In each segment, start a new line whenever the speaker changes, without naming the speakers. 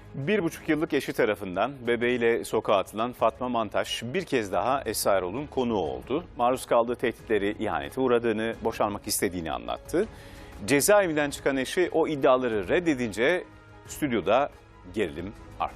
1,5 yıllık eşi tarafından bebeğiyle sokağa atılan Fatma Mantaş bir kez daha Esra Erol'un konuğu oldu. Maruz kaldığı tehditleri, ihanete uğradığını, boşanmak istediğini anlattı. Cezaevinden çıkan eşi o iddiaları reddedince stüdyoda gerilim arttı.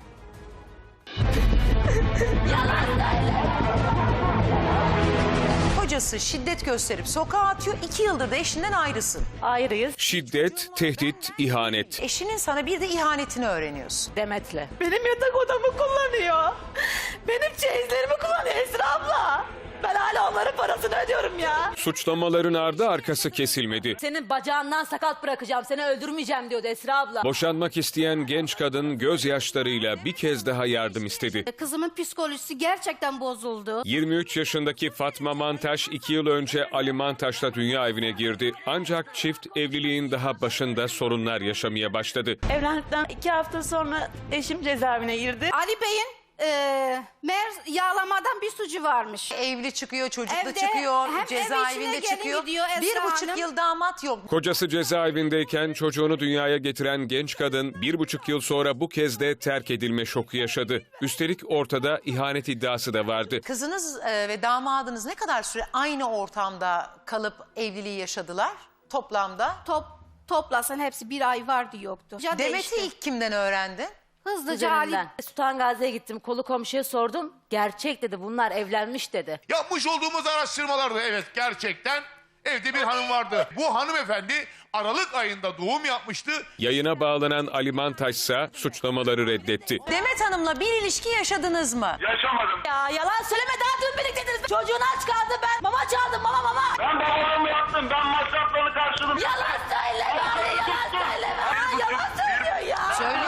Kocası şiddet gösterip sokağa atıyor, 2 yıldır da eşinden ayrısın.
Ayrıyız
Şiddet, tehdit, ihanet.
Eşinin sana bir de ihanetini öğreniyorsun.
Demet'le.
Benim yatak odamı kullanıyor. Benim çeyizlerimi kullanıyor Esra abla. Ben hala onların parasını ödüyorum ya.
Suçlamaların ardı arkası kesilmedi.
Senin bacağından sakat bırakacağım, seni öldürmeyeceğim diyordu Esra abla.
Boşanmak isteyen genç kadın gözyaşlarıyla bir kez daha yardım istedi.
Kızımın psikolojisi gerçekten bozuldu.
23 yaşındaki Fatma Mantaş 2 yıl önce Ali Mantaş'la dünya evine girdi. Ancak çift evliliğin daha başında sorunlar yaşamaya başladı.
Evlendikten 2 hafta sonra eşim cezaevine girdi.
Ali Bey'in meğer yağlamadan bir suçu varmış.
Evli çıkıyor, çocuklu
Evde,
çıkıyor,
hem ev
cezaevinde
içine gelin
çıkıyor.
gidiyor Esra
1,5
Hanım.
yıl damat yok.
Kocası cezaevindeyken çocuğunu dünyaya getiren genç kadın 1,5 yıl sonra bu kez de terk edilme şoku yaşadı. Üstelik ortada ihanet iddiası da vardı.
Kızınız ve damadınız ne kadar süre aynı ortamda kalıp evliliği yaşadılar toplamda?
Toplasan hepsi bir ay vardı yoktu. Ya
Demet'i
değişti.
ilk kimden öğrendin?
Hızlıca Ali.
Üzerinden. Sultan Gazi'ye gittim, kolu komşuya sordum. Gerçek dedi, bunlar evlenmiş dedi.
Yapmış olduğumuz araştırmalarda evet gerçekten evde bir hanım vardı. Bu hanımefendi Aralık ayında doğum yapmıştı.
Yayına bağlanan Ali Mantaş ise suçlamaları reddetti.
Demet Hanım'la bir ilişki yaşadınız mı?
Yaşamadım.
Ya yalan söyleme, daha dün birlikteydiniz. Çocuğunu aç kaldı, ben mama çaldım, mama.
Ben babalığımı yaptım. Ben masraflarını karşıladım.
Yalan söyleme, yalan söyleme. Aa, yalan söylüyor ya.
Söyle.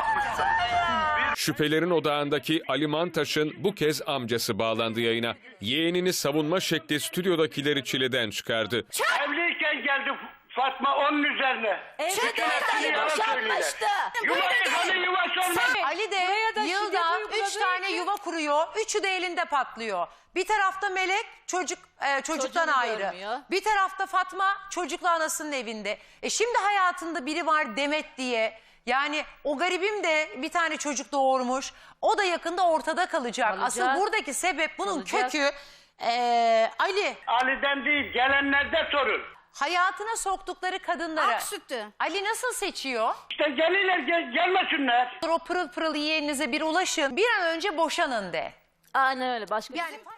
Şüphelerin odağındaki Ali Mantaş'ın bu kez amcası bağlandı yayına. Yeğenini savunma şekli stüdyodakileri çileden çıkardı.
Evliyken geldi Fatma onun üzerine.
Evde
Bütün
değil,
hepsini yalan
boşanmıştı.
Yuvası hani yuvası olmaz.
Ali de
Buraya da
yılda
şiddet
3 tane yuva kuruyor. 3'ü de elinde patlıyor. Bir tarafta Melek çocuktan
Çocuğunu
ayrı.
görmüyor.
Bir tarafta Fatma çocukla anasının evinde. Şimdi hayatında biri var Demet diye. Yani o garibim de bir tane çocuk doğurmuş. O da yakında ortada kalacak.
Kalacak.
Asıl buradaki sebep bunun
Kalacak.
kökü Ali.
Ali'den değil gelenlerde sorun.
Hayatına soktukları kadınları.
Ak sütü.
Ali nasıl seçiyor?
İşte gelirler
O pırıl pırıl yeğeninize bir ulaşın. Bir an önce boşanın de.
Aynen öyle, başka
Yani